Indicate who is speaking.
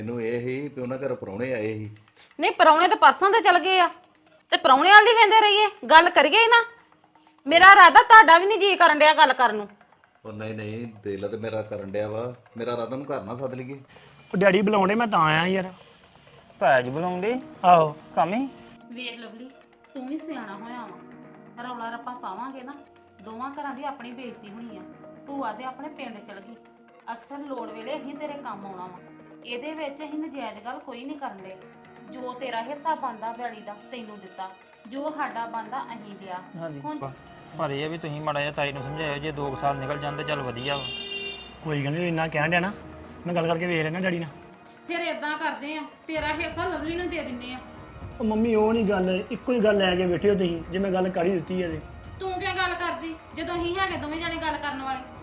Speaker 1: ਮੈਨੂੰ ਇਹ ਹੀ ਵੀ ਉਹਨਾਂ ਘਰ ਪ੍ਰਾਹੁਣੇ ਆਏ ਸੀ।
Speaker 2: ਨਹੀਂ ਪਰੌਣੇ ਤਾਂ ਪਰਸੋਂ ਤੇ ਚਲ ਗਏ ਆ ਤੇ ਪਰੌਣੇ ਵਾਲੀ ਵੇਂਦੇ ਰਹੀਏ ਗੱਲ ਕਰੀਏ ਨਾ। ਮੇਰਾ ਇਰਾਦਾ ਤੁਹਾਡਾ ਵੀ ਨਹੀਂ ਜੀ ਕਰਨ ਡਿਆ ਗੱਲ ਕਰਨ ਨੂੰ।
Speaker 1: ਉਹ ਨਹੀਂ ਨਹੀਂ ਦਿਲ ਤੇ ਮੇਰਾ ਕਰਨ ਡਿਆ ਵਾ, ਮੇਰਾ ਰਾਤ ਨੂੰ ਘਰ ਨਾ ਸੱਦ ਲਈਏ।
Speaker 3: ਉਹ ਡੈਡੀ ਬੁਲਾਉਂਦੇ ਮੈਂ ਤਾਂ ਆਇਆ ਯਾਰ।
Speaker 4: ਭੈਜ ਬੁਲਾਉਂਦੇ
Speaker 3: ਆਹੋ
Speaker 4: ਕੰਮ ਹੀ।
Speaker 2: ਵੇਖ ਲਵਲੀ ਤੂੰ ਵੀ ਸਿਆਣਾ ਹੋਇਆ ਵਾ, ਰੌਲਾ ਰੱਪਾ ਪਾਵਾਂਗੇ ਨਾ ਦੋਵਾਂ ਘਰਾਂ ਦੀ ਆਪਣੀ ਬੇਇੱਜ਼ਤੀ ਹੋਣੀ ਆ। ਭੂਆ ਦੇ ਆਪਣੇ ਪਿੰਡ ਚਲ ਗਈ, ਅਕਸਰ ਲੋੜ ਵੇਲੇ ਅਸੀਂ ਤੇਰੇ ਕੰਮ ਆਉਣਾ ਵਾ। ਇਹਦੇ ਵਿੱਚ ਅਸੀਂ ਨਜਾਇਜ਼ ਗੱਲ ਕੋਈ ਨਹੀਂ ਕਰਨ ਦੇ। ਜੋ ਤੇਰਾ ਹਿੱਸਾ ਬਣਦਾ ਬੈੜੀ ਦਾ ਤੈਨੂੰ ਦਿੱਤਾ, ਜੋ ਸਾਡਾ ਬਣਦਾ ਅਸੀਂ ਲਿਆ। ਹੁਣ
Speaker 4: ਪਰ ਇਹ ਵੀ ਤੁਸੀਂ ਮਾੜਾ ਜਿਹਾ ਤਾਈ ਨੂੰ ਸਮਝਾਇਓ, ਜੇ 2 ਸਾਲ ਨਿਕਲ ਜਾਂਦੇ ਚੱਲ ਵਧੀਆ ਵਾ।
Speaker 3: ਕੋਈ ਗੱਲ ਨਹੀਂ, ਇੰਨਾ ਕਹਿਣ ਡਿਆ ਨਾ, ਮੈਂ ਗੱਲ ਕਰਕੇ ਵੇਖ ਲੈਣਾ ਡੈਡੀ ਨਾਲ।
Speaker 2: ਫਿਰ ਇਦਾਂ ਕਰਦੇ ਆ, ਤੇਰਾ ਹਿੱਸਾ ਲਵਲੀ ਨੂੰ ਦੇ ਦਿੰਨੇ ਆ।
Speaker 3: ਉਹ ਮੰਮੀ ਉਹ ਨਹੀਂ ਗੱਲ, ਇੱਕੋ ਹੀ ਗੱਲ ਲੈ ਕੇ ਬੈਠੇ ਹੋ ਤੁਸੀਂ। ਜੇ ਮੈਂ ਗੱਲ ਕਰ ਹੀ ਦਿੱਤੀ ਹੈ ਤੇ
Speaker 2: ਤੂੰ ਕਿਉਂ ਗੱਲ ਕਰਦੀ ਜਦੋਂ ਅਸੀਂ ਹੈਗੇ ਦੋਵੇਂ ਜਾਣੇ ਗੱਲ ਕਰਨ ਵਾਲੇ?